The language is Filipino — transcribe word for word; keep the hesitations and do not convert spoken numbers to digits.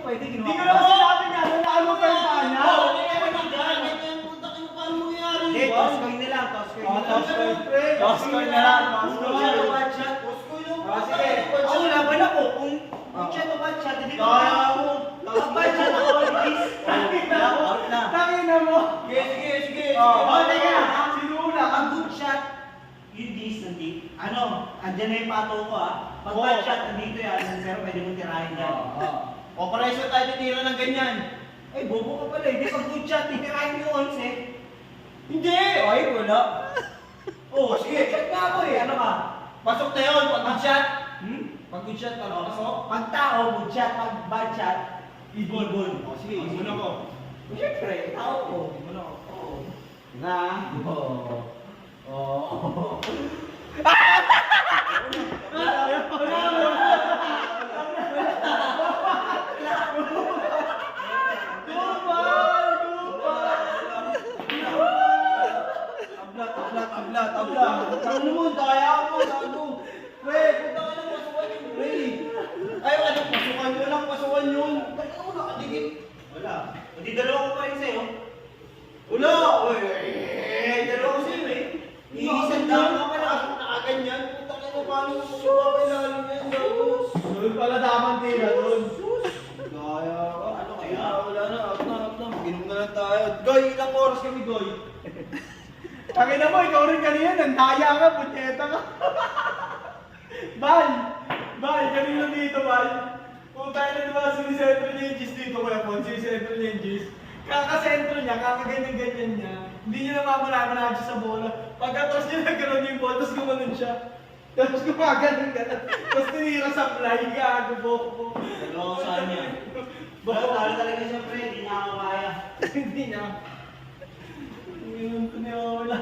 pwede ginawa. Hindi ko naman sinabi nga, nalaan mo pa yung paa niya. Oo, hindi ka nagdaan. Ganyan, punta ka na paano mangyayari Hindi, yun? toss coin na lang, toss coin Oh, na lang. toss coin. Pre, Toss coin na lang, toss Kung coin. shot o bad shot, Toss coin yung Ah, puta. sige. Ako laban ako. Kung kung shot o bad shot, hindi ko Kaya kaya. mo. Pag bad shot ako, release. Wala, out na. Tangin na mo. Sige, sige, sige. Oh, Oh, teka. Sinula. Ang good shot, yung dis, nandito. Ano, andyan na yung pato ko ah. Pag Oo. bad shot, nandito yan. Pero pwede mong tirahin yan. Operation tayo titira ng ganyan. Ay, bobo ka pala. Hindi pag good shot, titirahin yung onse. Hindi! Ay, wala. Oh, sige. Shot nga ako eh. Ano ka? Pasok na yun, pag good shot. Hmm? Pag good shot, pag pasok. Pag tao, good shot. Pag bad shot, ibon. Ibon. Oh, sige, ibon ako. Siyempre, tao ko. Ibon ako. Oo. Na. Oo. Oo. Ablat, ablat, ablat, ablat. Ano mo, daya mo, gago. Pre, punta ka ng pasukan yung pre. Ay, ano, pasukan yun lang, pasukan yun. Ba't ako nakadikit? Wala. Hindi dalawa ko pa rin sa'yo. Wala! Uy, eh, dalawa ko sa'yo eh. Iisang Iisang dami dami ka pa lang. nakaganyan. Punta ka na, paano mo magpapailalim yan, gago? Doon pala damang tira doon. Daya ka. Ano kaya? Wala na, out na, out na. Mag-inom na lang tayo. Goy, ilang oras kami, Goy? Tangin na mo, ikaw rin kanina, nandaya ka, punyeta ka. Bal! Bal, kanina dito, Bal. Kung tayo na diba sinisentro niya yung G's dito, Kuya Pon, sinisentro niya yung G's. Kakasentro niya, kakaganyan-ganyan niya. Hindi niya namamalaman siya sa bola. Pagkatapos niya nagkaroon yung bola, tapos gumanon siya. Tapos gumaganon ka tapos tinira sa fly, gago, boko. Dalawa ko sa kanya. Baka talo talaga siya, pre. Hindi niya ako kaya. Hindi niya. Hindi niya wala.